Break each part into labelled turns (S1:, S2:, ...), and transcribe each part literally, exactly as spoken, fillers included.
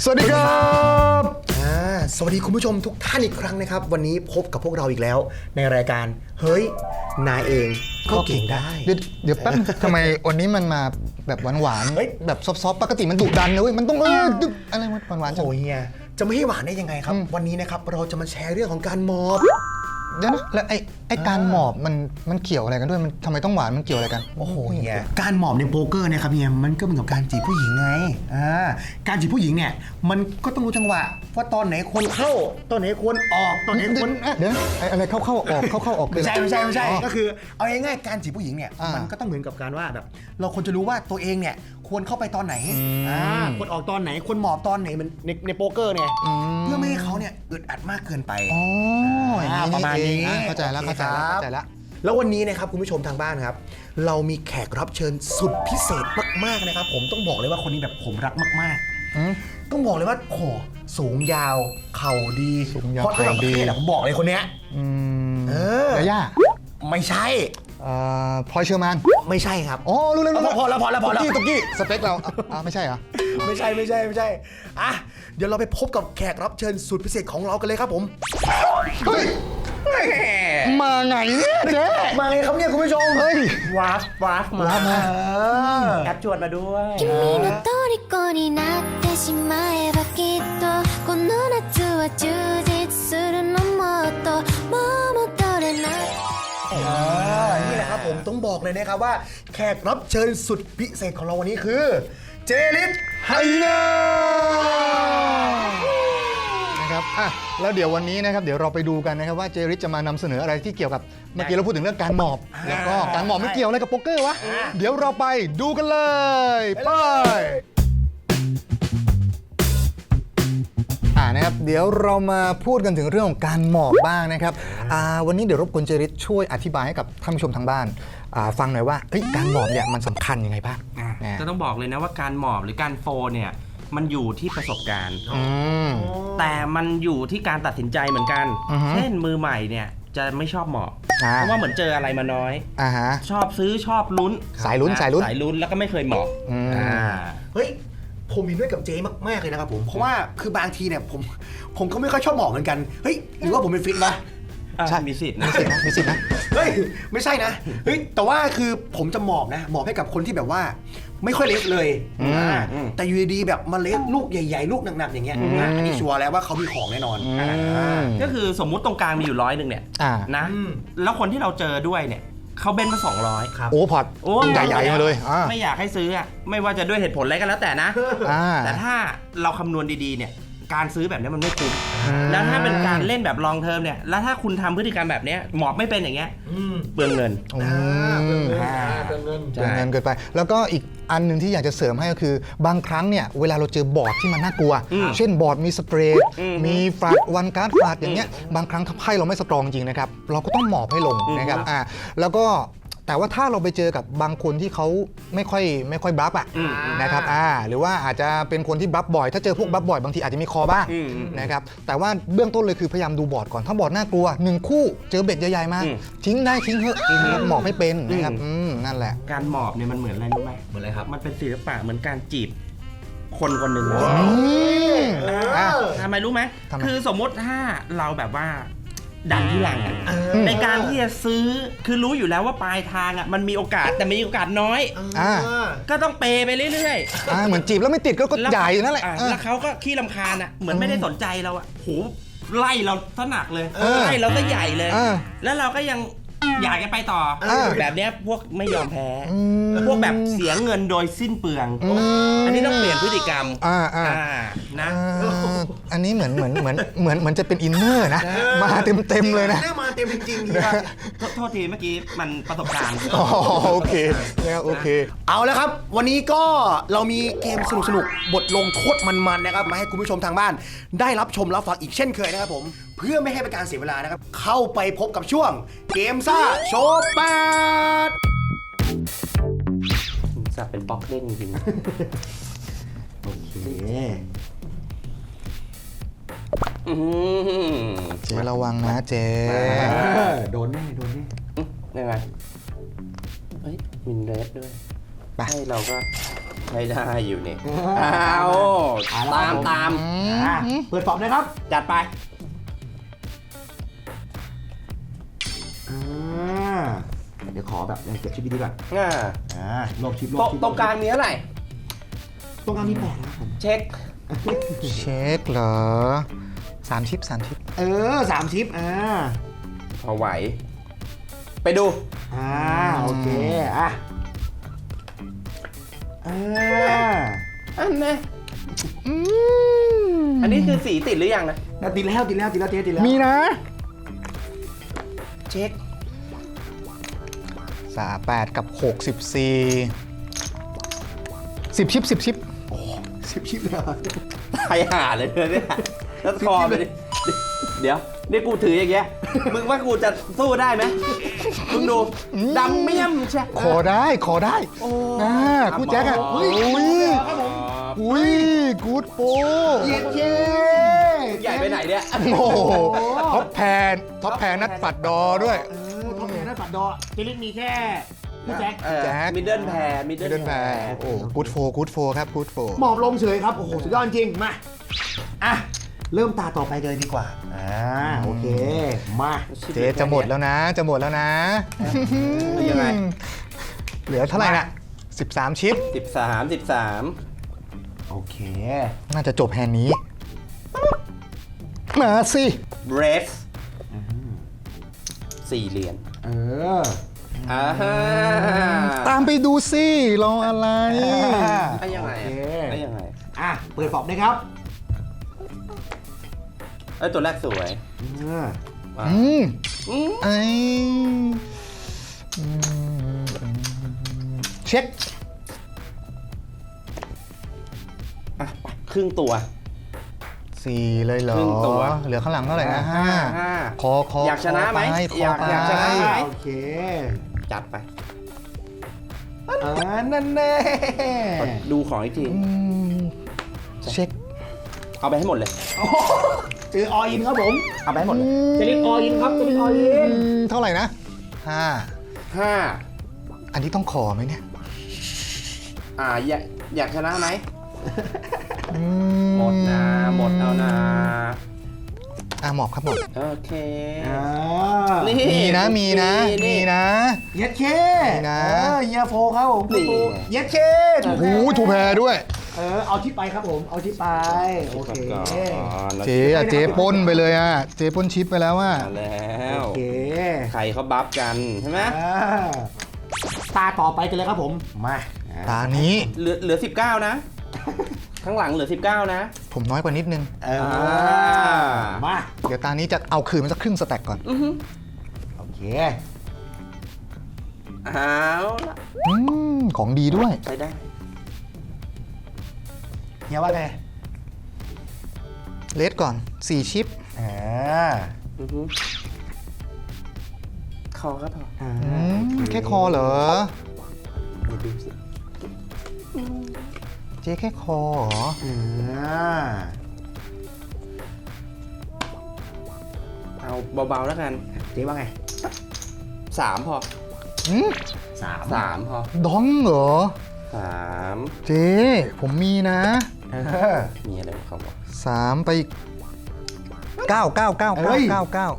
S1: วัสดีครับ
S2: อ่าสวัสดีคุณผู้ชมทุกท่านอีกครั้งนะครับวันนี้พบกับพวกเราอีกแล้วในรายการเฮ้ยนายเองก็เก่งได้
S1: เดี๋ยวเดี๋ยวแป๊บทำไมวันนี้มันมาแบบหวานๆแบบซอฟๆปกติมันดุดันนะเว้ยมันต้องเออดึกอะไรหวานๆจัง
S2: โอ้ยเฮียจะไม่ให้หวานได้ยังไงครับวันนี้นะครับเราจะมาแชร์เรื่องของการมอบ
S1: เดี๋ยวนะแล้วไอ้ไอ้การหมอบมันมันเกี่ยวอะไรกันด้วยมันทำไมต้องหวานมันเกี่ยวอะไรกัน
S2: โอ้โหเฮียการหมอบในโป๊กเกอร์เนี่ยครับเฮียมันก็เหมือนกับการจีบผู้หญิงไงอ่าการจีบผู้หญิงเนี่ยมันก็ต้องรู้จังหวะว่าตอนไหนควรเข้าตอนไหนควรออกตอนไหนควร
S1: เดี๋ยวไอ้อะไรเข้าเข้าออกเข้าเข้าออก
S2: ไม่ใช่ไม่ใช่ไม่ใช่ก็คือเอาง่ายๆการจีบผู้หญิงเนี่ยมันก็ต้องเหมือนกับการว่าแบบเราควรจะรู้ว่าตัวเองเนี่ยควรเข้าไปตอนไหนอ่าควรออกตอนไหนควรหมอบตอนไหนมันในในโป๊กเกอร์เนี่ยเพื่อไม่ให้เขาเนี่ยอึดอัดมากเกินไป
S1: อ๋อประมาณนี้เข้าใจแล้วเข้าใจแล้วเข้าใจแล้ว
S2: แล้ววันนี้นะครับคุณผู้ชมทางบ้านครับเรามีแขกรับเชิญสุดพิเศษมากๆนะครับผมต้องบอกเลยว่าคนนี้แบบผมรักมากๆต้องบอกเลยว่าโอ้สูงยาวเข่าดีเพราะระดับประเทศผมบอกเลยคนเนี้ย
S1: เออย่า
S2: ไม่ใช่
S1: พลอยเชอร์แมน
S2: ไม่ใช่ครับ
S1: อ๋อรู้แล้ว
S2: พอแล้วพอแล้วพอแล้ว
S1: ตุ๊กกี้สเปคเราอ่าไม่ใช่เหรอ
S2: ไม่ใช่ไม่ใช่ไม่ใช่อ่ะเดี๋ยวเราไปพบกับแขกรับเชิญสุดพิเศษของเรากันเลยครับผม
S1: เฮ้ยมาไงเนี่ยเจ๊
S2: มาไงครับเนี่ยคุณผู้ชม
S1: เฮ้ย
S2: วัฟวัฟมาแอปจวดมาด้วย
S3: 君の虜になってしまえばきっとこの夏は充実するのもっともう戻れない
S2: นี่แหละครับผมต้องบอกเลยนะครับว่าแขกรับเชิญสุดพิเศษของเราวันนี้คือเจลิส
S1: ไฮนานะครับอ่ะแล้วเดี๋ยววันนี้นะครับเดี๋ยวเราไปดูกันนะครับว่าเจริสจะมานำเสนออะไรที่เกี่ยวกับเมื่อกี้เราพูดถึงเรื่องการหมอบแล้วก็การหมอบไม่เกี่ยวอะไรกับโป๊กเกอร์วะเดี๋ยวเราไปดูกันเลยไปอ่านะครับเดี๋ยวเรามาพูดกันถึงเรื่องของการหมอบบ้างนะครับอ่าวันนี้เดี๋ยวรบกวนเจริสช่วยอธิบายให้กับท่านผู้ชมทางบ้านฟังหน่อยว่าการหมอบเนี่ยมันสำคัญยังไงบ้าง
S4: ก็ต้องบอกเลยนะว่าการหมอบหรือการโฟเนี่ยมันอยู่ที่ประสบการณ์แต่มันอยู่ที่การตัดสินใจเหมือนกันเช่นมือใหม่เนี่ยจะไม่ชอบหมอบเพราะว่าเหมือนเจออะไรมาน้อยชอบซื้อชอบลุ้น
S1: สายลุ้นสายลุ้น
S4: สายลุ้นแล้วก็ไม่เคยหมอบ
S2: เฮ้ยผมเห็นด้วยกับเจมากๆเลยนะครับผมเพราะว่าคือบางทีเนี่ยผมผมก็ไม่ค่อยชอบหมอบเหมือนกันเฮ้ยหรือว่าผมเป็นฟิตวะ
S4: ใช่มีสิทธิ์นะ
S1: มีสิทธิ์นะ
S2: เฮ้ยไม่ใช่นะเฮ้ยแต่ว่าคือผมจะหมอบนะหมอบให้กับคนที่แบบว่าไม่ค่อยเล็กเลยแต่อยู่ดีๆแบบมาเล็กลูกใหญ่ๆลูกหนักๆอย่างเงี้ยอันนี้ชัวร์แล้วว่าเขามีของแน่นอน
S4: ก็คือสมมุติตรงกลางมีอยู่ร้อยหนึ่งเนี่ยนะแล้วคนที่เราเจอด้วยเนี่ยเขาเบนมาสองร้อย
S1: ครับโอ้พอดใหญ่ๆมาเลย
S4: ไม่อยากให้ซื้อไม่ว่าจะด้วยเหตุผลอะไรก็แล้วแต่นะแต่ถ้าเราคำนวณดีๆเนี่ยการซื้อแบบนี้มันไม่คุ้มแล้วถ้าเป็นการเล่นแบบลองเทอมเนี่ยแล้วถ้าคุณทำพฤติกรรมแบบนี้หมอบไม่เป็นอย่างเงี้ยเปลืองเงิน
S1: เปลืองเงินเปลืองเงินเกินไปแล้วก็อีกอันหนึ่งที่อยากจะเสริมให้ก็คือบางครั้งเนี่ยเวลาเราเจอบอร์ดที่มันน่ากลัวเช่นบอร์ดมีสเปรย์มีฟลัดวันการ์ดฟลัดอย่างเงี้ยบางครั้งถ้าไพ่เราไม่สตรองจริงนะครับเราก็ต้องหมอบให้ลงนะครับอ่าแล้วก็แต่ว่าถ้าเราไปเจอกับบางคนที่เขาไม่ค่อยไม่ค่อยบลัฟอ่ะนะครับอ่าหรือว่าอาจจะเป็นคนที่บลัฟบ่อยถ้าเจอพวกบลัฟบ่อยบางทีอาจจะมีคอบ้างนะครับแต่ว่าเบื้องต้นเลยคือพยายามดูบอร์ดก่อนถ้าบอร์ดน่ากลัวหนึ่งคู่เจอเบ็ดใหญ่ๆมาทิ้งได้ทิ้งเถอะหมอบไม่เป็นนะครับนั่นแหละ
S4: การหมอบเนี่ยมันเหมือนอะไรรู้ไหม
S2: เหมือนอะไรครับ
S4: มันเป็นศิลปะเหมือนการจีบคนคนหนึ่งทำไมรู้ไหมคือสมมติถ้าเราแบบว่าดันที่หลังในการที่จะซื้อคือรู้อยู่แล้วว่าปลายทางอ่ะมันมีโอกาสแต่มีโอกาสน้อยก็ต้องเปย์ไปเรื่อย
S1: ๆเหมือนจีบแล้วไม่ติดก็ใหญ่นั่นแหละ
S4: แล้วเขาก็ขี้รำคาญอ่ะเหมือนไม่ได้สนใจเราอ่ะโหไล่เราซะหนักเลยไล่เราซะใหญ่เลยแล้วเราก็ยังอยากจะไปต่อแบบนี้พวกไม่ยอมแพ้พวกแบบเสียเงินโดยสิ้นเปลืองอันนี้ต้องเปลี่ยนพฤติกรรมนะ
S1: อันนี้เหมือนเหมือนเหมือนเหมือนเหมือนจะเป็นอินเนอร์นะมาเต็มเต็มเลยนะ
S2: มาเต็มจริง
S4: ๆโทษทีเมื่อกี้มันประสบการณ์
S1: โอเคแล้วโอเค
S2: เอาแล้วครับวันนี้ก็เรามีเกมสนุกสนุกบทลงโทษมันๆนะครับมาให้คุณผู้ชมทางบ้านได้รับชมรับฟังอีกเช่นเคยนะครับผมเพื่อไม่ให้เป็นการเสียเวลานะครับเข้าไปพบกับช่วงเกมซ่าโชว์แปด
S4: จะเป็นบล็อกเด้งจริง
S2: โอเค
S1: เจ๊ระวังนะเจ๊
S2: โดนแน่โดนแน่
S4: ยังไงเฮ้ยมินเรสด้วย
S1: ไป
S4: ให้เราก็ใช้ได้อยู่นี่เอา
S2: เอาละ
S4: ตาม
S2: ผม
S4: ตาม
S2: อ่ะเปิดฟอบนะครับ
S4: จัดไป
S2: อ่าเดี๋ยวขอแบบเก็บชิปดีๆก่อน
S4: อ่า
S2: อ่าลบชิปลบ
S4: ตรง
S2: ชิป
S4: ตรงกลางมีเท่าไหร่
S2: ตรงกลางมีแปดนะครับผม
S4: เช็ค
S1: เช็คเหรอสามชิปสามชิป
S2: เออสามชิปอ่า
S4: พอไหว ไปดู
S2: อ่าโอเคอ่ะอ่า
S4: อันนี้อันนี้คือสีติดหรือยังนะ
S2: ติดแล้วติดแล้วติดแล้วเจ๊ติดแล้ว
S1: มีนะ
S4: เช็ค
S1: สามแปดกับหกสิบสี่สิบชิปสิบชิป
S2: สิบชิปเลยเหรอ
S4: ตายห่าเลยเนี่ยแล้วคอไปดิเดี๋ยว นี่กูถืออย่างเงี้ย มึงว่ากูจะสู้ได้ไหมมึงดูดำเมี่ยมใช่
S1: ขอได้ขอได้
S4: โอ้
S1: นะกูแจ็คอะ
S4: อุ้
S1: อุ้
S4: ย
S1: ยอุ้ยกูดโป
S2: เย็นเย้
S4: ใหญ่ไปไหนเนี่ย
S1: โอ้โหท็อปแพนท็อปแพนนัดปัดดอด้วย
S2: เออท็อปแพนได้ปัดดอเจลิกมีแค่พี่แจ็ค
S1: แจ็ค
S4: มิดเดิลแพรมิด
S1: ไม่
S4: เดิ
S1: เดิ
S4: ล
S1: น
S4: แพ
S1: แพ
S4: ร
S1: รโอ้กูดโฟกูดโฟครับกูดโฟ
S2: หมอบลงเฉยครับ โอ้โห สุดยอดจริง มา อ่ะ เริ่มตาต่อไปเลยดีกว่า อ่า โอเค มา
S1: เจ๊จะหมดแล้วนะ จะหมดแล้วนะ
S4: ยังไง
S1: เหลือเท่าไหร่น่ะสิบสามชิป
S4: สิบสามสิบสาม
S2: โอเค
S1: น่าจะจบแฮนด์นี้ มาสิ
S4: เบรสสี่เหรียญ
S2: เออ
S4: อ่าฮะ
S1: ตามไปดูสิรออะไร
S4: ไอ้ยังไง
S2: โอเค
S4: ไอ้ยังไง
S2: อ่ะ เปิดฟอบเลยครับ
S4: ไอ้ตัวแรกสวย
S2: อ่า
S4: อ่ะ
S1: อืม
S4: อืม
S1: ไออืมเช็ค
S4: อ่ะไปครึ่งตัว
S1: สี่เลยเหรอ
S4: ครึ่งตัว
S1: เหลือข้างหลังเท่าไหร่นะห้า
S4: ห้า
S1: คอคอ
S4: อยากชนะไหม
S1: คปค
S4: อยาก
S1: ไป
S4: อยากชนะไหม
S2: โอเค
S4: จัดไป
S2: อ่า นั่นแน่
S4: ดูของอีกที
S1: อืมเช็ค
S4: เอาไปให้หมดเลย
S2: โอ้โหเจอออินครับผม
S4: เอาไปให้หมดเลย
S2: เจลิกออินครับเจลิกออิน
S1: อืมเท่าไหร่นะห้า
S4: ห้า
S1: อันนี้ต้องขอไหมเนี่ย
S4: อ่าอยากอยากชนะไหม
S1: อื
S4: หมดนะหมดเอานะ
S1: อ่ะหมอบครับหมอบ
S4: โอเค
S2: อ่า
S4: นี่
S1: มีนะมีนะมีนะ
S2: เย็ดเค
S1: นี่นะ
S2: เออเฮียโฟครับผม
S4: นี่
S2: เย็ดเค
S1: โอ้โหถูแพรด้วย
S2: เออ เอาที่ไปครับผม เอาที่ไป โอเค
S4: ก่อน
S1: เจ๊อะเจ๊ปล้นไปเลยอ่ะ เจ๊ปล้นชิปไปแล้วอ่ะ
S4: มาแล้ว
S2: โอเค
S4: ใครเขาบัฟกันใช่ไหม
S2: อ่าตาต่อไปกันเลยครับผม มา
S1: ตานี้
S4: เหลือเหลือสิบเก้านะ ข้างหลังเหลือสิบเก้านะ
S1: ผมน้อยกว่านิดนึง
S2: เออ
S4: อ่า
S2: มา
S1: เดี๋ยวตานี้จะเอาคืนมันสักครึ่งสแต็กก่อน
S4: อือฮึ
S2: โอเค
S4: เอาละ
S1: อืมของดีด้วย
S4: ใช้ได้
S2: เฮียว่าไง
S1: เลสก่อนสี่ชิป
S2: อ่า
S4: อือฮึคอก็พอ
S2: อ่า
S1: อืมแค่คอเหรอ
S4: เดี๋ยวดูสิ
S1: เจ๊แค่คอเหรอ
S2: อ่า
S4: เอาเบาๆแล้วกัน
S2: เจ๊ว่าไง
S4: สามพอ
S1: อืม
S2: สาม
S4: สามพอ
S1: ดองเหรอ
S4: สาม
S1: เจ๊ผมมีนะ
S2: เออ
S4: มีอะไรของเขาวะ
S1: สามไปอีกเก้าเก้าเก้า
S2: เอ้
S1: เก้าย เก้าเก้า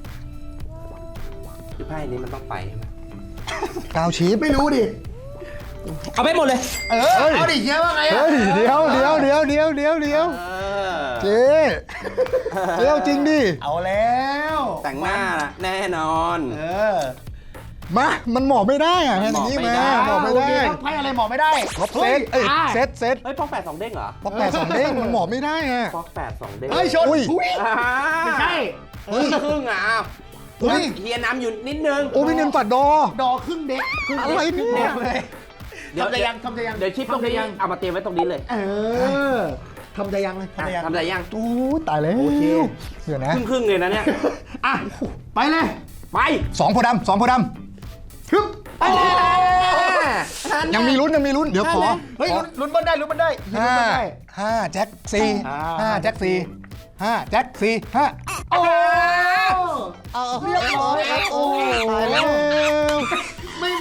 S4: คือไพ่นี้มันต้องไปใช่ไหม
S1: เก้าชิป
S2: ไม่รู้ดิ
S4: เอาไปหมดเลย
S2: เออ เอาดิเฮียว่าไงอะ
S1: เฮ้ยเดี๋ยวเดี๋ยวเดี๋ยวเดี๋ยวเดี๋ยวเดี๋ยว
S4: เออ
S1: เจ๊เจ๊เอาจริงดิ
S2: เอาแล้ว
S4: แต่งหน้าน่ะแน่นอน
S2: เออ
S1: มา มันหมอบไม่ได้อะแค่นี้
S4: หมอบไม่
S1: มา
S4: ได้
S1: หมอบไม่ได้
S2: โอเคครับไพ่อะไรหมอบไม่ได้
S1: ลบเซตเอ้ย
S2: อ่า
S1: เซตเซต
S4: เฮ้ยพอกแปดสองเด้งเหรอ
S1: เพราะแปดสองเด้งมันหมอบไม่ได้อะ
S4: พอกแปดสองเด้ง
S2: เฮ้ยชน
S1: อุ้ย
S2: อุ้ย
S4: อ่า
S2: ไม่ใช่
S4: เฮ้ยครึ่งอ่ะอ้าว
S1: เฮ้ย
S4: เฮียน้ำอยู่นิดนึง
S1: โอ้พี่เนนปัดดอ
S2: ดอครึ่งเด็กครึ่ง
S1: อะไรเนี่ย
S2: ด็กเลย
S4: เดี๋ยว
S2: ทำใจยังทำใจยัง
S4: เดี๋ยวคลิปตรงนี้
S2: ทำใจยัง
S4: เอามาเตรียมไว้ตรงนี้เลย
S2: เออทำใจยังเลยทำใจยัง
S4: ทำใจยัง
S1: อู้ตายแล้ว
S2: โอเค
S1: เดี๋ยวนะ
S4: ครึ่งครึ่งๆเลยนะเนี่ย
S2: อ่ะไปเลย
S4: ไป
S1: สองโพธิ์ดำสองโพธิ์ด
S2: ฮึบ
S4: ไปเลย
S1: ำยังมีลุ้นยังมีลุ้น เดี๋ยวขอ
S2: เฮ้ย
S1: ขอ
S2: ลุ้นลุ้นบอลได้ลุ้นบอลได้ลุ้น
S1: ห้า
S2: บอลได้
S1: ห้าแจ็คสี่
S2: อ่า
S1: ห้าแจ็คสี่ห้าแจ็คสี่ห้า
S2: โอ้
S1: เอา
S2: เรียบร้อยครับโอ้
S1: ตายแล้ว
S2: ไม่หม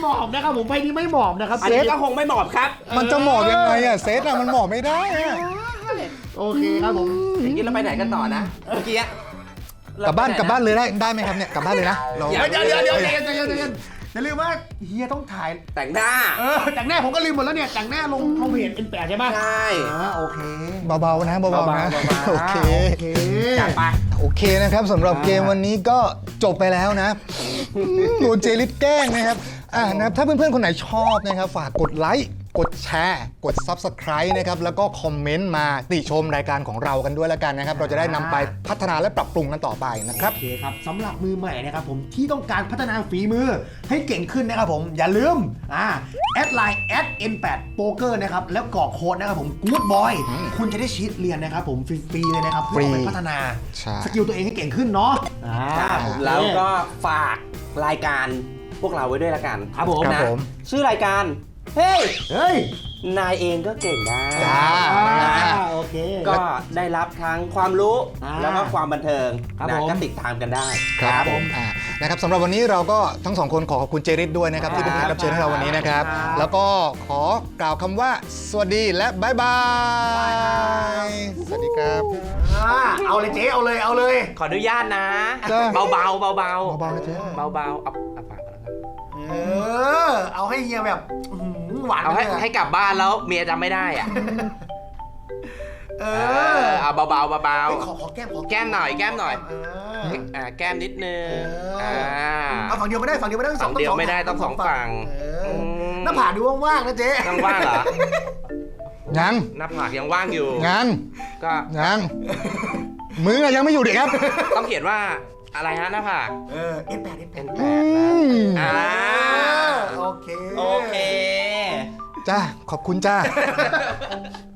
S2: หมอบนะครับผมไพ่นี้ไม่หมอบนะครับ
S4: อันนี้ก็คงไม่เหมาะครับ
S1: มันจะหมอบยังไงอะเซตอะมันหมอบไม่ได้อะ
S2: โอเคครับผม
S4: อย่างนี้เราไปไหนกันต่อนะเมื่อกี้
S1: กลับบ้านกลับบ้านเลยได้ได้ไหมครับเนี่ยกลับบ้านเลยนะเรา
S2: เดี๋ยวเดี๋ยวเดี๋ยวใจเย็นใจเย็นใจเย็นอย่าลืมว่าเฮียต้องถ่าย
S4: แต่งหน้า
S2: เออแต่งหน้าผมก็ลืมหมดแล้วเนี่ยแต่งหน้าลงลงเพจ เอ็น แปด ใช่ไหม
S4: ใช่
S2: อ่าโอเค
S1: เบาๆนะเบาๆนะ
S4: เบาๆเบาๆ
S1: โอเค
S2: โอเค
S4: จัดไป
S1: โอเคนะครับสำหรับเกมวันนี้ก็จบไปแล้วนะโดนเจลิสแกล้งนะครับอ่านะครับถ้าเพื่อนๆคนไหนชอบนะครับฝากกดไลค์กดแชร์กด Subscribe นะครับแล้วก็คอมเมนต์มาติชมรายการของเรากันด้วยแล้วกันนะครับเราจะได้นำไปพัฒนาและปรับปรุงกันต่อไปนะครับ
S2: โอเคครับสำหรับมือใหม่นะครับผมที่ต้องการพัฒนาฝีมือให้เก่งขึ้นนะครับผมอย่าลืมอ่าแอดไลน์แอด เอ็น แปด Poker นะครับแล้วกรอกโค้ดนะครับผม Good Boy คุณจะได้ชีทเรียนนะครับผมฟรีๆเลยนะครับเพื่อเอาไปพัฒนา
S1: ใช่
S2: สกิลตัวเองให้เก่งขึ้นเนาะอ่า
S4: แล้วก็ฝากรายการพวกเราไว้ด้วยละกัน
S2: ครับผม
S1: ครับ
S4: นะ
S1: ผม
S4: ชื่อรายการ เฮ้ย
S2: เฮ้ย
S4: นายเองก็เก่งได้
S1: จ้า
S2: อ่าโอเค
S4: ก็ได้รับทั้งความรู้
S2: อ่า
S4: แล้วก็ความบันเทิง
S2: ครับ
S4: นะ
S2: ผม
S4: ก็ติดตามกันได้
S1: ครับผมอ่านะครับสำหรับวันนี้เราก็ทั้งสองคนขอขอบคุณเจริสด้วยนะครับที่เป็นแขกรับเชิญให้เราวันนี้นะครับ
S2: ครับ
S1: แล้วก็ขอกล่าวคำว่าสวัสดีและบ๊ายบายสวัสดีครับ
S2: อ่าเอาเลยเจ๊เอาเลยเอาเลย
S4: ขออนุญาตนะ
S1: จ้า
S4: เบาๆเบาๆเบา
S1: เบาๆนะเจ๊
S4: เบาๆเอาเอาปากก่อนนะครับ
S2: เออเอาให้เฮียแบบอื้อหือหวาน
S4: เอาให้
S2: ไปลยะ
S4: ให้กลับบ้านแล้วเมียจำไม่ได้อ่ะ
S2: เอ
S4: เอ
S2: อ
S4: อเอาเบาๆเบา
S2: เฮ้ยขอขอแก้มขอ
S4: แก้มหน่อยแก้มหน่อย
S2: เออ
S4: ๆอ่าแก้มนิดนึง
S2: เอ
S4: อ่า
S2: อเอาฝั่งเดียวไม่ได้ฝั่งเดียวไม่ได้ต้องสอง
S4: ฝั่งเดียวไม่ได้ต้องสองฝั่ง
S2: เออ
S4: ม
S2: หน้าผากดูว่างๆนะเจ๊
S4: ยังว่างเหรอ
S1: ยัง
S4: หน้าผากยังว่างอยู่
S1: ยัง
S4: ก็
S1: ยังมืออะยังไม่อยู่เด็กครับ
S4: ต้องเขียนว่าอะไรฮะหน้าผาก
S2: เออเอ็นแปดเอ็นแปด
S4: แปดนะอ่า
S2: โอเค
S4: โอเค
S1: จ้าขอบคุณจ้า